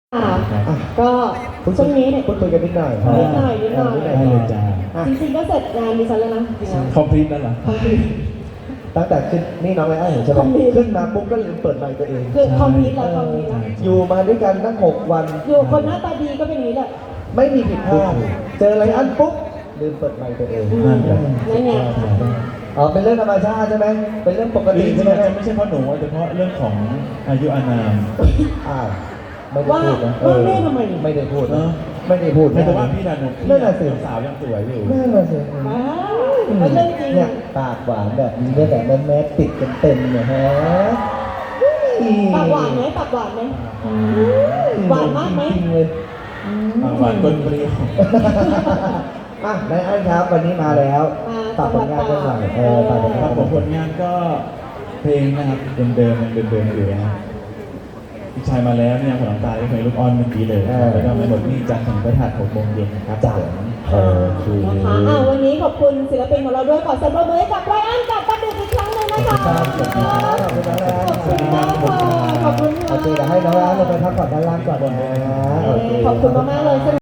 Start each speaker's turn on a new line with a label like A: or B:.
A: ก็ช่วงนี้เนี่ย
B: พูดคุยกันนิดหน่อย
A: นิดหน่อย
C: ได้เลยจ้า
A: จริงๆก็เสร็จงานดิฉันแล้วนะจริงๆ
C: คอมพลีทแล้วเหรอ
B: ตั้งแต่ขึ้นนี่น้องไอ้ไอ้เห็นใช่ไหมขึ้นมาปุ๊บก็ลืมเปิดไมค์ตัวเอง
A: คือคอมพิวต์แล้วคอมพิวต์แล้ว
B: อยู่มาด้วยกันตั้ง6 วัน
A: อยู่คนหน้าตาดีก็เป็นอย่างนี้แหละ
B: ไม่มีผิดพลาดเจออะไรอันปุ๊บลืมเปิดไมค์ตัวเอง
C: นั่นแหละ
A: นั่นไง
B: อ๋อเป็นเรื่องธรรมชาติใช่ไหมเป็นเรื่องปก
C: จ
B: ติ
C: ริง
B: ใช่
C: ๆ
B: ไหม
C: อาจจะไม่ใช่เพราะหนูอาจจะเพราะเรื่องของอายุอานาม
B: อ้าวไม่ได้พูดนะ
A: ว่าแม่ทำไม
B: ไม่ได้พูด
C: เอ
B: นะ
C: อ
B: ไม่ได้พูด
C: แต่ว่าพี่ดานุพี่
B: นั่นน่ะสิ
C: สาวยังสวยอยู่
B: นั่นน่ะสิ
A: ว้าวเป็นเรื่องจริง
B: เนี่ยปากหวานแบบนี้เนี่ยแบบแม่ติดกันเต็มเนี่ยฮะ
A: ปากหวานไหมปากหวานไหมหวานมากไหม
B: จริงๆเลย
C: หวานก้นเปรี้ยว
B: อ่ะนายอันครับวันนี้มาแล้วฝากผลงานกันหน่อยฝากผล
C: ค
B: งา
C: รั
B: น
C: บผมผลงานก็เพลงนะครับเดิมๆยังเดิมๆอยู่นะพี่ชายมาแล้วเนี่ยหัวน้ำตาที่เพลงลูกอ้อนเมื่อกี้เลยแล้วก็ไม่หมดนี่จันทร์ถึงพฤหัส6 โมงเย็นนะครับ
B: จ้ะโอเค
A: นะคะวันนี้ขอบคุณศิลปินของเราด้วยขอเสียงปรบมือให้กับไรอันกับป้าดุกอีกครั้งหนึ่งนะคะ
B: ขอบคุณครับขอบคุณน้องแอน
A: ขอบคุณมากค่ะขอบคุณ
B: โอเคเดี๋ยวให้น้องแอนลงไปพักผ่อนด้านล่างก่อนนะโอเค
A: ขอบคุณมากๆเลย